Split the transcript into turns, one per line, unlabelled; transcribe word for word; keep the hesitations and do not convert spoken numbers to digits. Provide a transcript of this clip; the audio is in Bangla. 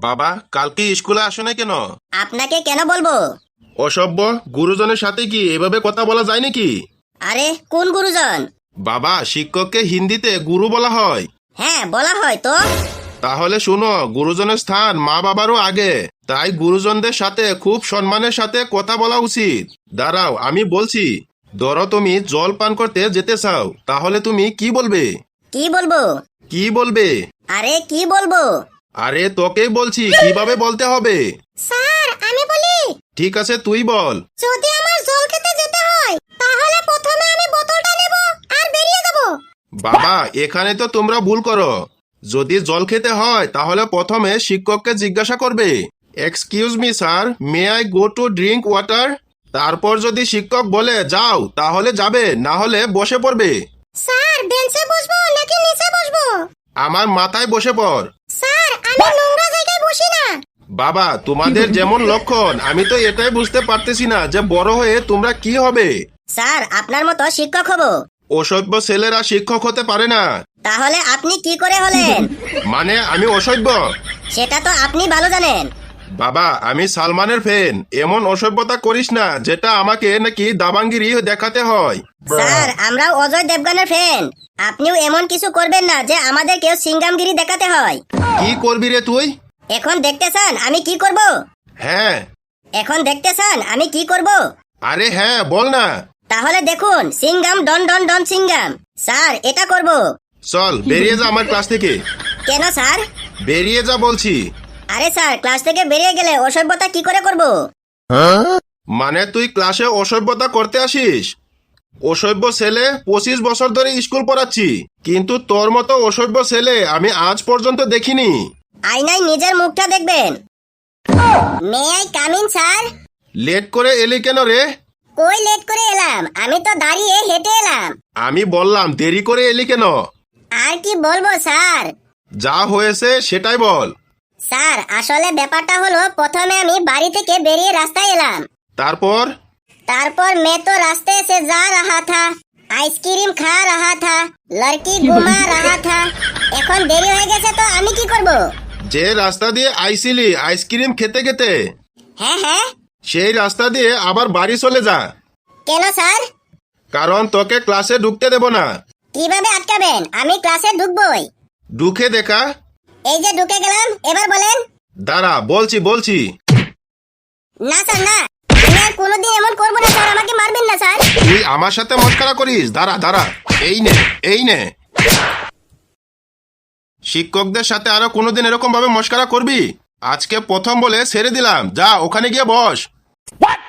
বাবা, কালকে স্কুলে আসো না কেন?
আপনাকে কেন বলবো?
অসভ্য, গুরুজনের সাথে কি এভাবে কথা বলা যায় নাকি?
আরে কোন গুরুজন?
বাবা, শিক্ষককে হিন্দিতে গুরু বলা হয়।
হ্যাঁ বলা হয় তো।
তাহলে শুনো, গুরুজনের স্থান মা বাবারও আগে, তাই গুরুজনদের সাথে খুব সম্মানের সাথে কথা বলা উচিত। দাঁড়াও, আমি বলছি। ধরো তুমি জল পান করতে যেতে চাও, তাহলে তুমি কি বলবে?
কি বলবো?
কি বলবে?
আরে কি বলবো?
আরে তোকেই বলছি কিভাবে বলতে হবে।
স্যার আমি বলি।
ঠিক আছে, তুই বল।
যদি আমার জল খেতে যেতে হয় তাহলে প্রথমে আমি বোতলটা নেব আর বেরিয়ে যাব।
বাবা, এখানে তো তোমরা ভুল করো। যদি জল খেতে হয় তাহলে প্রথমে শিক্ষককে জিজ্ঞাসা করবে, excuse me sir, may I go to drink water. তারপর যদি শিক্ষক বলে যাও, তাহলে যাবে, না হলে বসে পড়বে।
স্যার বেঞ্চে বসবো নাকি নিচে বসবো?
আমার মাথায় বসে পড়।
স্যার আমি নোংরা জায়গায় বসি না।
বাবা, তোমাদের যেমন লক্ষণ, আমি তো এটাই বুঝতে পারতেছি না যে বড় হয়ে তোমরা কি হবে।
স্যার আপনার মতো শিক্ষক হব।
অসভ্য ছেলেরা শিক্ষক হতে পারে না।
তাহলে আপনি কি করে হলেন?
মানে আমি অসভ্য?
সেটা তো আপনি ভালো জানেন।
বাবা, আমি সালমানের ফ্যান। এমন অসভ্যতা করিস না যেটা আমাকে নাকি দাবাঙ্গিরি দেখাতে হয়।
স্যার আমরাও অজয় দেবগানের ফ্যান। আপনিও এমন কিছু করবেন না যে আমাদের কেউ সিঙ্গামগিরি দেখাতে হয়।
কি করবি রে তুই?
এখন দেখতে চান আমি কি করব?
হ্যাঁ।
এখন দেখতে চান আমি কি করব?
আরে হ্যাঁ, বল না।
তাহলে দেখুন, Singham don don don Singham. Sir এটা করব।
চল বেরিয়ে যা আমার ক্লাস থেকে।
কেন স্যার?
বেরিয়ে যা বলছি।
আরে স্যার ক্লাস থেকে বেরিয়ে গেলে অসভ্যতা কি করে করব?
মানে তুই ক্লাসে অসভ্যতা করতে আসিস? অসভ্য ছেলে, পঁচিশ বছর ধরে স্কুল পড়াচ্ছি, কিন্তু তোর মতো অসভ্য ছেলে আমি আজ পর্যন্ত দেখিনি।
আয়নায় নিজের মুখটা দেখবেন। May I come in sir?
Late করে এলি কেন রে?
কই লেট করে এলাম? আমি তো দাঁড়িয়ে হেঁটে এলাম।
আমি বললাম দেরি করে এলি কেন?
আর কি বলবো স্যার?
যা হয়েছে সেটাই বল।
স্যার আসলে ব্যাপারটা হলো, প্রথমে আমি বাড়ি থেকে বেরিয়ে রাস্তায় এলাম।
তারপর?
তারপর मैं तो रास्ते से जा रहा था, आइसक्रीम खा रहा था, लड़की घुमा रहा था। এখন দেরি হয়ে গেছে তো আমি কি করব?
যে রাস্তা দিয়ে আইছিলি আইসক্রিম খেতে খেতে,
হ্যাঁ হ্যাঁ।
সেই রাস্তা দিয়ে আবার বাড়ি চলে যা।
কেন স্যার?
কারণ তোকে ক্লাসে ঢুকতে দেব না।
কিভাবে আটকাবেন? আমি ক্লাসে ঢুকবই।
ঢুকে দেখা।
এই যে ঢুকে গেলাম, এবার বলেন।
দাঁড়া, বলছি বলছি।
না স্যার না, আমি আর কোনোদিন এমন করবো না স্যার, আমাকে মারবেন না স্যার।
তুই আমার সাথে মস্করা করিস? দাঁড়া দাঁড়া, এই নে এই নে। শিক্ষকদের সাথে আরো কোনোদিন এরকম ভাবে মস্করা করবি? আজকে প্রথম বলে ছেড়ে দিলাম, যা ওখানে গিয়ে বস।